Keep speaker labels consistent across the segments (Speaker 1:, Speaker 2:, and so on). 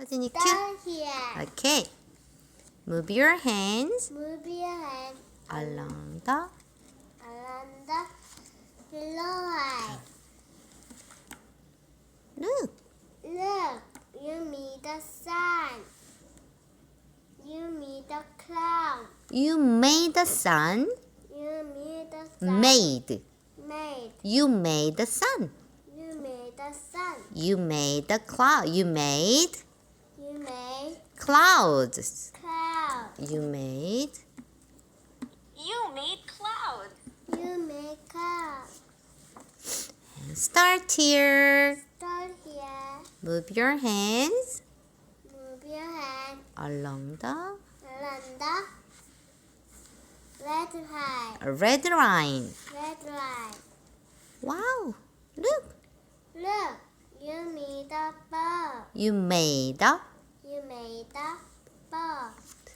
Speaker 1: 서진이 큐.
Speaker 2: Start here.
Speaker 1: Okay. Move your hands
Speaker 2: Move your hand
Speaker 1: along the
Speaker 2: around the floor.
Speaker 1: look.
Speaker 2: Look, you meet the sun. You meet the cloud.
Speaker 1: You made the sun.
Speaker 2: You meet the sun.
Speaker 1: Made.
Speaker 2: Made.
Speaker 1: You made the sun.
Speaker 2: You made the sun.
Speaker 1: You made the cloud. You made
Speaker 2: You made
Speaker 1: clouds.
Speaker 2: cloud.
Speaker 1: You made
Speaker 3: cloud.
Speaker 2: You made cloud.
Speaker 1: and start here.
Speaker 2: Start here.
Speaker 1: Move your hands
Speaker 2: Move your hand
Speaker 1: along the
Speaker 2: around the red line.
Speaker 1: red line.
Speaker 2: Red line.
Speaker 1: Wow. Look.
Speaker 2: Look, you made the ball.
Speaker 1: You made a
Speaker 2: You made the ball.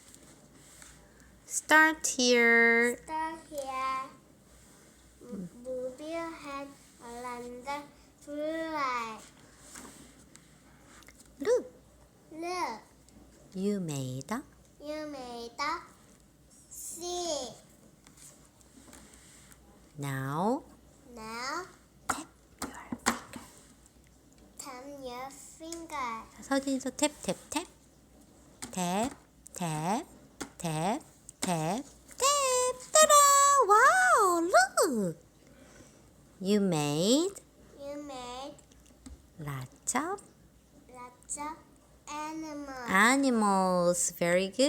Speaker 1: start here.
Speaker 2: Start here. Move your hand around the blue line.
Speaker 1: Look.
Speaker 2: Look,
Speaker 1: You made a
Speaker 2: you made the sea.
Speaker 1: now
Speaker 2: Now,
Speaker 1: tap your finger.
Speaker 2: tap your finger.
Speaker 1: 서진이도 탭, 탭, 탭. 탭, 탭, 탭, 탭, 탭. 따라! Wow, look. You made
Speaker 2: You made
Speaker 1: lots of
Speaker 2: lots of animals.
Speaker 1: animals. Very good.